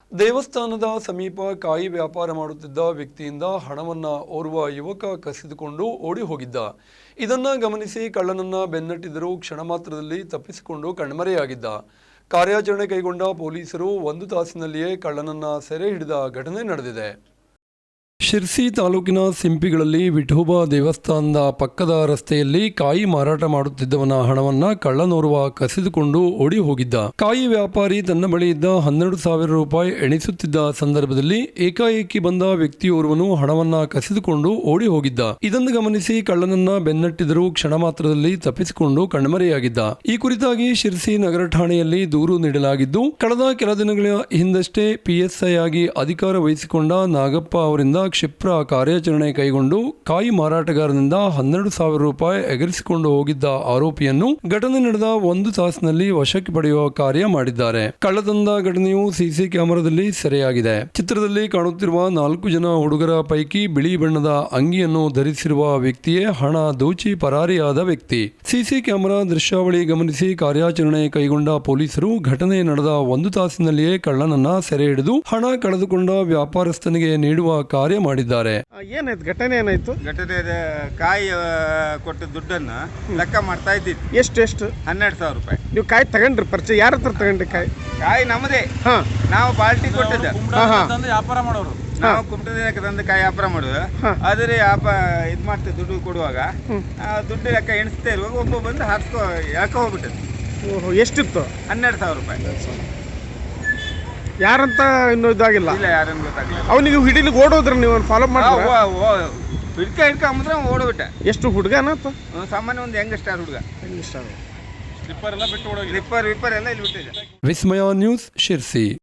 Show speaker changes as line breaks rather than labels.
ದೇವಸ್ಥಾನದ ಸಮೀಪ ಕಾಯಿ ವ್ಯಾಪಾರ ಮಾಡುತ್ತಿದ್ದ ವ್ಯಕ್ತಿಯಿಂದ ಹಣವನ್ನು ಓರ್ವ ಯುವಕ ಕಸಿದುಕೊಂಡು ಓಡಿ ಹೋಗಿದ್ದ. ಇದನ್ನು ಗಮನಿಸಿ ಕಳ್ಳನನ್ನ ಬೆನ್ನಟ್ಟಿದರೂ ಕ್ಷಣ ಮಾತ್ರದಲ್ಲಿ ತಪ್ಪಿಸಿಕೊಂಡು ಕಣ್ಮರೆಯಾಗಿದ್ದ. ಕಾರ್ಯಾಚರಣೆ ಕೈಗೊಂಡ ಪೊಲೀಸರು 1 ತಾಸಿನಲ್ಲಿಯೇ ಕಳ್ಳನನ್ನ ಸೆರೆ ಹಿಡಿದ ಘಟನೆ ನಡೆದಿದೆ. ಶಿರ್ಸಿ ತಾಲೂಕಿನ ಸಿಂಪಿಗಳಲ್ಲಿ ವಿಠೋಬಾ ದೇವಸ್ಥಾನದ ಪಕ್ಕದ ರಸ್ತೆಯಲ್ಲಿ ಕಾಯಿ ಮಾರಾಟ ಮಾಡುತ್ತಿದ್ದವನ ಹಣವನ್ನ ಕಳ್ಳನೋರ್ವ ಕಸಿದುಕೊಂಡು ಓಡಿ ಹೋಗಿದ್ದ. ಕಾಯಿ ವ್ಯಾಪಾರಿ ತನ್ನ ಬಳಿ ಇದ್ದ 12,000 ರೂಪಾಯಿ ಎಣಿಸುತ್ತಿದ್ದ ಸಂದರ್ಭದಲ್ಲಿ ಏಕಾಏಕಿ ಬಂದ ವ್ಯಕ್ತಿಯೋರ್ವನು ಹಣವನ್ನ ಕಸಿದುಕೊಂಡು ಓಡಿ ಹೋಗಿದ್ದ. ಇದನ್ನು ಗಮನಿಸಿ ಕಳ್ಳನನ್ನ ಬೆನ್ನಟ್ಟಿದರೂ ಕ್ಷಣ ಮಾತ್ರದಲ್ಲಿ ತಪ್ಪಿಸಿಕೊಂಡು ಕಣ್ಮರೆಯಾಗಿದ್ದ. ಈ ಕುರಿತಾಗಿ ಶಿರ್ಸಿ ನಗರ ಠಾಣೆಯಲ್ಲಿ ದೂರು ನೀಡಲಾಗಿದ್ದು, ಕಳೆದ ಕೆಲ ದಿನಗಳ ಹಿಂದಷ್ಟೇ PSI ಆಗಿ ಅಧಿಕಾರ ವಹಿಸಿಕೊಂಡ ನಾಗಪ್ಪ ಅವರಿಂದ ಕ್ಷಿಪ್ರ ಕಾರ್ಯಾಚರಣೆ ಕೈಗೊಂಡು ಕಾಯಿ ಮಾರಾಟಗಾರನಿಂದ 12,000 ರೂಪಾಯಿ ಎಗರಿಸಿಕೊಂಡು ಹೋಗಿದ್ದ ಆರೋಪಿಯನ್ನು ಘಟನೆ ನಡೆದ 1 ತಾಸಿನಲ್ಲಿ ವಶಕ್ಕೆ ಪಡೆಯುವ ಕಾರ್ಯ ಮಾಡಿದ್ದಾರೆ. ಕಳ್ಳತನದ ಘಟನೆಯು ಸಿಸಿ ಕ್ಯಾಮೆರಾದಲ್ಲಿ ಸೆರೆಯಾಗಿದೆ. ಚಿತ್ರದಲ್ಲಿ ಕಾಣುತ್ತಿರುವ 4 ಜನ ಹುಡುಗರ ಪೈಕಿ ಬಿಳಿ ಬಣ್ಣದ ಅಂಗಿಯನ್ನು ಧರಿಸಿರುವ ವ್ಯಕ್ತಿಯೇ ಹಣ ದೋಚಿ ಪರಾರಿಯಾದ ವ್ಯಕ್ತಿ. ಸಿಸಿ ಕ್ಯಾಮೆರಾ ದೃಶ್ಯಾವಳಿ ಗಮನಿಸಿ ಕಾರ್ಯಾಚರಣೆ ಕೈಗೊಂಡ ಪೊಲೀಸರು ಘಟನೆ ನಡೆದ 1 ತಾಸಿನಲ್ಲಿಯೇ ಕಳ್ಳನನ್ನ ಸೆರೆ ಹಿಡಿದು ಹಣ ಕಳೆದುಕೊಂಡ ವ್ಯಾಪಾರಸ್ಥನಿಗೆ ನೀಡುವ ಕಾರ್ಯ ಮಾಡಿದ್ದಾರೆ.
ಏನಾಯ್ತು ಘಟನೆ? ಏನಾಯ್ತು
ಘಟನೆ? ಕಾಯಿ ಕೊಟ್ಟ ದುಡ್ಡನ್ನು ಲೆಕ್ಕ ಮಾಡ್ತಾ ಇದ್ದಿದ್ದು.
ಎಷ್ಟು
12,000 ರೂಪಾಯಿ.
ನೀವು ಕಾಯಿ ತಗೊಂಡ್ರಿ? ಪರಿಚಯ ಯಾರ ಹತ್ರ ತಗೊಂಡ್ರಿ ಕಾಯಿ?
ಕಾಯಿ ನಮ್ಮದೇ. ನಾವು ಪಾರ್ಟಿ ಕೊಟ್ಟಿದ್ದ.
ವ್ಯಾಪಾರ ಮಾಡೋರು
ನಾವು ಕುಮಟ ದಿನಕ್ಕೆ ತಂದು ಕಾಯಿ ವ್ಯಾಪಾರ ಮಾಡೋದು. ಆದರೆ ಇದು ಮಾಡ್ತೇವೆ ದುಡ್ಡು ಕೊಡುವಾಗ ದುಡ್ಡು ಲೆಕ್ಕ ಎಣಿಸ್ತಾ ಇರುವಾಗ ಒಬ್ಬ ಬಂದು ಯಾಕೆ ಹೋಗ್ಬಿಟ್ಟದ್ದು.
ಓಹೋ, ಎಷ್ಟಿತ್ತು?
12,000 ರೂಪಾಯಿ.
ಯಾರಂತ ಇನ್ನೂ ಇದಾಗಿಲ್ಲ?
ಇಲ್ಲ, ಯಾರನ್ನು ಗೊತ್ತಾಗಲಿಲ್ಲ.
ಅವನಿಗೆ ಹಿಡಿಲಿಕ್ಕೆ ಓಡೋದ್ರ ನೀವು ಫಾಲೋ ಮಾಡಿ
ಹಿಡ್ಕೊಂಬಂದ್ರೆ ಓಡೋಬಿಟ್ಟ.
ಎಷ್ಟು ಹುಡುಗನ?
ಸಾಮಾನ್ಯ ಒಂದು ಯಂಗ್ ಸ್ಟಾರ್ ಹುಡುಗ.
ಸ್ಲಿಪ್ಪರ್ ಎಲ್ಲ ಬಿಟ್ಟು ಓಡೋಗಿ
ಸ್ಲಿಪ್ಪರ್ ಎಲ್ಲ ಇಲ್ಲಿ ಬಿಟ್ಟಿದೆ.
ವಿಸ್ಮಯ ನ್ಯೂಸ್, ಶಿರ್ಸಿ.